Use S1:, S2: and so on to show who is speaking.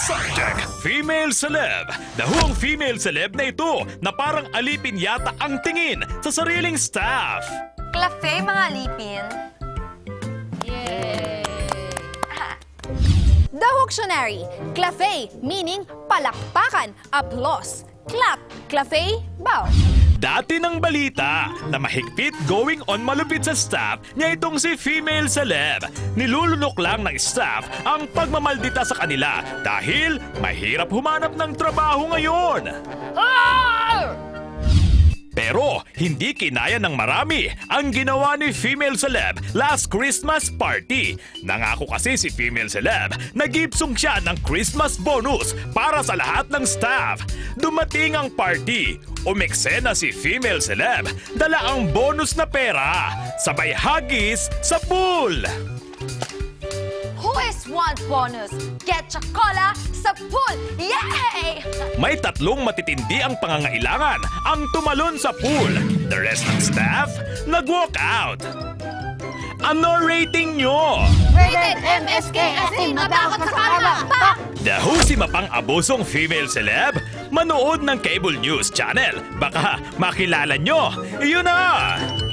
S1: Subject, female celeb. Dahuang female celeb na ito na parang alipin yata ang tingin sa sariling staff.
S2: Clafe, mga alipin.
S3: Yay!
S4: The Wiktionary. Clafe, meaning palakpakan, applause. Clap, clafe, bow.
S1: Dati ng balita na mahigpit going on malupit sa staff niya itong si female celeb. Nilulunok lang ng staff ang pagmamaldita sa kanila dahil mahirap humanap ng trabaho ngayon. Pero hindi kinaya ng marami ang ginawa ni female celeb last Christmas party. Nangako kasi si female celeb na gibsong siya ng Christmas bonus para sa lahat ng staff. Dumating ang party, umeksena si female celeb, dala ang bonus na pera, sabay hagis sa pool.
S2: Who is want bonus? Get chocola sa pool! Yay!
S1: May tatlong matitindi ang pangangailangan ang tumalon sa pool. The rest ng staff, nag-walk out. Ano rating nyo?
S3: Rated MSK as in matakot sa karma! Pak!
S1: Dahusi mapang abusong female celeb? Manood ng cable news channel. Baka makilala nyo. Yun na!